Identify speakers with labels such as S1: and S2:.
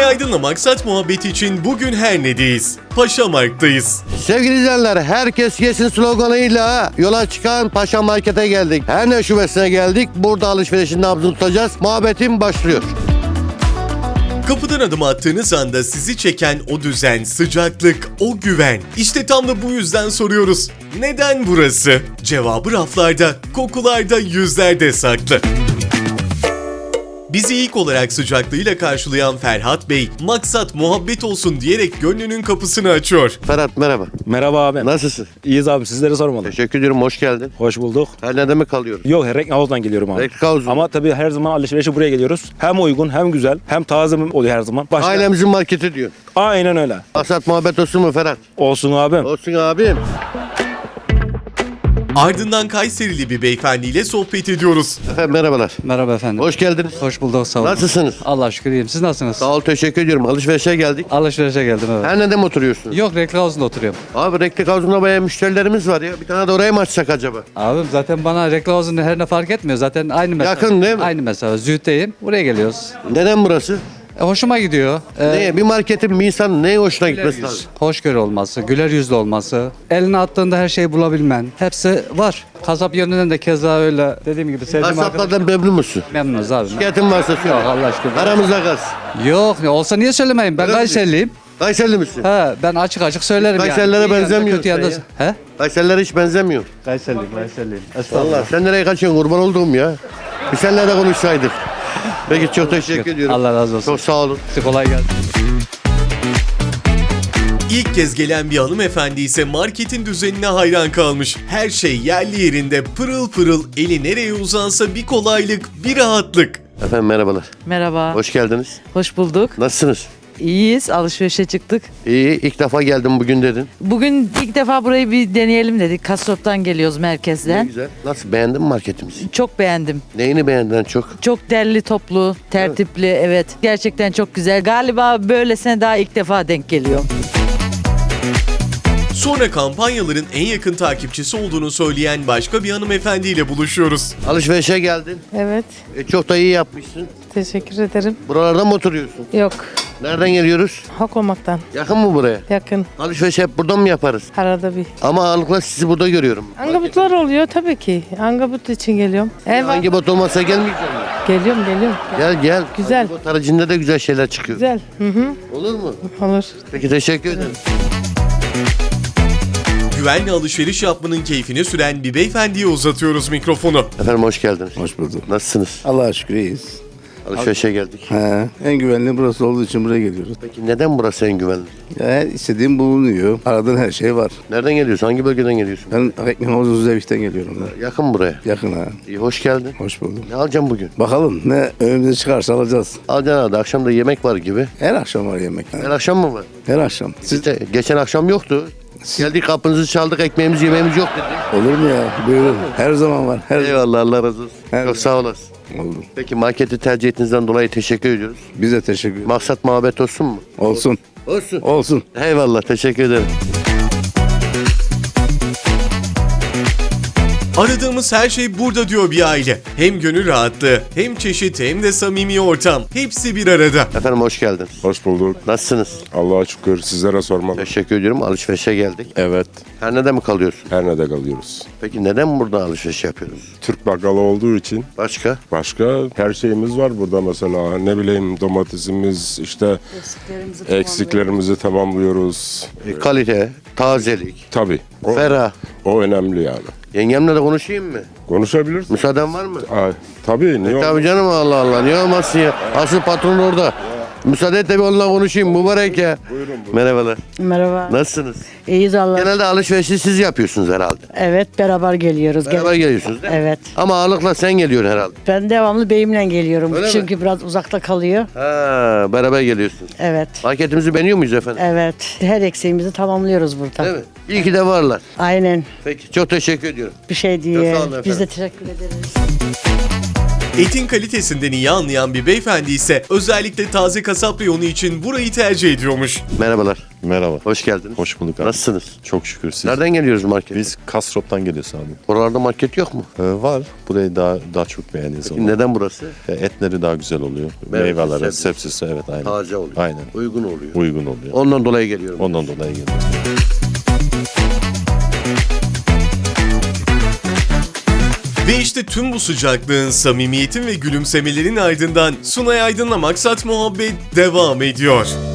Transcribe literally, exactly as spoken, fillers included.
S1: Güray Aydın'la Maksat muhabbeti için bugün Herne'deyiz. Paşamark'tayız.
S2: Sevgili izleyenler, herkes yesin sloganıyla yola çıkan Paşa Market'e geldik. Herne şubesine geldik. Burada alışverişin nabzını tutacağız. Muhabbetim başlıyor.
S1: Kapıdan adım attığınız anda sizi çeken o düzen, sıcaklık, o güven. İşte tam da bu yüzden soruyoruz. Neden burası? Cevabı raflarda, kokularda, yüzlerde saklı. Bizi ilk olarak sıcaklığıyla karşılayan Ferhat Bey, maksat muhabbet olsun diyerek gönlünün kapısını açıyor.
S2: Ferhat merhaba.
S3: Merhaba abi.
S2: Nasılsın?
S3: İyiyiz abi, sizleri sormalı.
S2: Teşekkür ediyorum. Hoş geldin.
S3: Hoş bulduk.
S2: Herne'de mi kalıyoruz?
S3: Yok, Recklinghausen'dan geliyorum abi.
S2: Recklinghausen.
S3: Ama tabii her zaman alışverişe buraya geliyoruz. Hem uygun, hem güzel, hem taze oluyor her zaman. Başka...
S2: Ailemizin marketi diyor.
S3: Aynen öyle.
S2: Maksat muhabbet olsun mu Ferhat?
S3: Olsun abi.
S2: Olsun abim.
S1: Ardından Kayserili bir beyefendiyle sohbet ediyoruz.
S2: Efendim merhabalar.
S4: Merhaba efendim.
S2: Hoş geldiniz.
S4: Hoş bulduk, sağ olun.
S2: Nasılsınız?
S4: Allah şükür iyiyim. Siz nasılsınız?
S2: Sağ ol, teşekkür ediyorum. Alışverişe geldik.
S4: Alışverişe geldim evet.
S2: Herne'de mi oturuyorsunuz?
S4: Yok, Recklinghausen'da oturuyorum.
S2: Abi Recklinghausen'da bayağı müşterilerimiz var ya. Bir tane de oraya mı açsak acaba?
S4: Abim zaten bana Recklinghausen her ne fark etmiyor. Zaten aynı mesafe.
S2: Yakın değil mi?
S4: Aynı mesafe. Züğüt'teyim. Buraya geliyoruz.
S2: Neden burası?
S4: E, hoşuma gidiyor. E,
S2: Neye? Bir marketin bir insanın neye hoşuna
S4: güler
S2: gitmesi
S4: yüz,
S2: lazım?
S4: hoşgörü olması, güler yüzlü olması, eline attığında her şeyi bulabilmen. Hepsi var. Kasap yönünden de keza öyle. Dediğim gibi sevdiğim arkadaşım.
S2: Kasaplardan memnun musun?
S4: Memnunuz abi.
S2: Şikayetin varsa söyle.
S4: Yok Allah aşkına.
S2: Aramızda kal.
S4: Yok ne olsa niye söylemeyeyim? Ben
S2: Öyle mi?
S4: Kayserliyim.
S2: Kayserili misin?
S4: He, ben açık açık söylerim yani.
S2: Kayserililere
S4: İyi yanında,
S2: benzemiyorsun
S4: kötü yanında-
S2: sen
S4: He?
S2: Kayserililere hiç benzemiyor.
S4: Kayserliyim, Kayserliyim.
S2: Vallahi sen nereye kaçıyorsun kurban olduğum ya? Bir seninle de konuşsaydık. Peki çok teşekkür ediyorum.
S4: Allah razı olsun.
S2: Çok sağ olun.
S4: Kolay gelsin.
S1: İlk kez gelen bir hanımefendi ise marketin düzenine hayran kalmış. Her şey yerli yerinde, pırıl pırıl, eli nereye uzansa bir kolaylık, bir rahatlık.
S2: Efendim merhabalar.
S5: Merhaba,
S2: Hoş geldiniz.
S5: hoş bulduk.
S2: Nasılsınız?
S5: İyiyiz, alışverişe çıktık.
S2: İyi. İlk defa geldim bugün dedin.
S5: Bugün ilk defa burayı bir deneyelim dedik. Kasop'tan geliyoruz
S2: Ne
S5: merkezden.
S2: güzel. Nasıl beğendin mi marketimizi?
S5: Çok beğendim.
S2: Neyini beğendin en çok?
S5: Çok derli toplu, tertipli, evet. Gerçekten çok güzel. Galiba böylesine daha ilk defa denk geliyor.
S1: Sonra kampanyaların en yakın takipçisi olduğunu söyleyen başka bir hanımefendiyle buluşuyoruz.
S2: Alışverişe geldin.
S6: Evet,
S2: E, çok da iyi yapmışsın.
S6: teşekkür ederim.
S2: Buralarda mı oturuyorsun?
S6: Yok,
S2: Nereden geliyoruz?
S6: Hakomak'tan
S2: Yakın mı buraya?
S6: yakın.
S2: Alışveriş hep buradan mı yaparız?
S6: Arada bir.
S2: Ama ağırlıkla sizi burada görüyorum.
S6: Angabutlar oluyor tabii ki. Angabut için geliyorum. Evet,
S2: Hangi bot olmazsa gelmeyeceğim mi?
S6: geliyorum, geliyorum.
S2: Gel gel.
S6: Güzel.
S2: Hangi bot haricinde de güzel şeyler çıkıyor.
S6: Güzel. Hı hı,
S2: Olur mu?
S6: olur.
S2: Peki teşekkür ederim.
S1: Güvenli alışveriş yapmanın keyfini süren bir beyefendiye uzatıyoruz mikrofonu.
S2: Efendim hoş geldiniz.
S7: Hoş bulduk.
S2: Nasılsınız?
S7: Allah'a şükür iyiyiz.
S2: Alışverişe geldik.
S7: He, en güvenli burası olduğu için buraya geliyoruz.
S2: Peki neden burası en güvenli?
S7: Ya her istediğim bulunuyor. Aradığın her şey var.
S2: Nereden geliyorsun? Hangi bölgeden geliyorsun?
S7: Ben Recklinghausen Züzevik'ten geliyorum. Ben.
S2: Yakın buraya.
S7: Yakın ha.
S2: İyi hoş geldin.
S7: Hoş bulduk.
S2: Ne alacağım bugün?
S7: Bakalım ne önümüze çıkarsa alacağız.
S2: Alacaksın abi. Akşam da yemek var gibi.
S7: Her akşam var yemek.
S2: Her akşam mı var?
S7: Her akşam. Siz
S2: İşte geçen akşam yoktu. Geldik kapınızı çaldık, ekmeğimiz yemeğimiz yok dedi.
S7: olur mu ya? Buyurun. Her zaman var. Her
S2: Eyvallah, Allah razı olsun.
S7: Her-
S2: Çok sağ olasın.
S7: Oldu.
S2: Peki marketi tercih ettiğinizden dolayı teşekkür ediyoruz.
S7: Biz de teşekkür ederiz.
S2: Maksat muhabbet olsun mu?
S7: Olsun.
S2: Olsun.
S7: Olsun.
S2: Eyvallah, teşekkür ederim.
S1: Aradığımız her şey burada diyor bir aile. Hem gönül rahatlığı, hem çeşit, hem de samimi ortam. Hepsi bir arada.
S2: Efendim hoş geldiniz.
S8: Hoş bulduk.
S2: Nasılsınız?
S8: Allah'a şükür, sizlere sormalı.
S2: Teşekkür ediyorum. Alışverişe geldik.
S8: Evet,
S2: Her neden mi kalıyorsun?
S8: her nerede kalıyoruz.
S2: Peki neden burada alışveriş yapıyoruz?
S8: Türk bakkalı olduğu için
S2: Başka?
S8: başka her şeyimiz var burada mesela. Ne bileyim domatesimiz, işte eksiklerimizi tamamlıyoruz.
S2: E, kalite, tazelik,
S8: Tabii, o,
S2: ferah.
S8: o önemli yani.
S2: Yengemle de konuşayım mı?
S8: Konuşabiliriz.
S2: Müsaaden var mı?
S8: Aa, tabii, niye
S2: Tabii
S8: olmaz?
S2: canım, Allah Allah. Niye olmazsın ya? Asıl patron orada. Müsaade et de bir onunla konuşayım. Mübarek ya.
S8: Buyurun, buyurun.
S2: Merhabalar.
S9: Merhaba.
S2: Nasılsınız?
S9: İyiyiz Allah.
S2: Genelde alışverişi siz yapıyorsunuz herhalde.
S9: Evet beraber geliyoruz. Gel-
S2: Beraber geliyorsunuz değil mi?
S9: Evet.
S2: Ama ağırlıkla sen geliyorsun herhalde.
S9: Ben devamlı beyimle geliyorum.
S2: Öyle mi?
S9: Çünkü biraz uzakta kalıyor.
S2: Ha, beraber geliyorsunuz.
S9: Evet.
S2: Marketimizi beğeniyor muyuz efendim?
S9: Evet. Her eksiğimizi tamamlıyoruz burada.
S2: Değil mi? İyi ki de varlar.
S9: Aynen.
S2: Peki çok teşekkür ediyorum.
S9: Bir şey
S2: Çok
S9: diye.
S2: sağ olun
S9: Biz de
S2: efendim.
S9: teşekkür ederiz.
S1: Etin kalitesinden iyi anlayan bir beyefendi ise özellikle taze kasap reyonu için burayı tercih ediyormuş.
S2: Merhabalar.
S10: Merhaba.
S2: Hoş geldiniz.
S10: Hoş bulduk abi.
S2: Nasılsınız?
S10: Çok şükür siz.
S2: Nereden geliyoruz markete?
S10: Biz Kasrop'tan geliyoruz abi.
S2: Buralarda market yok mu?
S10: Ee, var. Burayı daha daha çok beğeniyoruz.
S2: Peki neden burası?
S10: E, Etleri daha güzel oluyor.
S2: Meyvesi,
S10: Meyveleri,
S2: sebzesi.
S10: sebzesi evet aynen.
S2: Taze oluyor.
S10: Aynen.
S2: Uygun oluyor.
S10: Uygun oluyor.
S2: Ondan dolayı geliyorum.
S10: Ondan dolayı geliyoruz.
S1: Ve işte tüm bu sıcaklığın, samimiyetin ve gülümsemelerin ardından Sunay Aydın'la Maksat Muhabbet devam ediyor.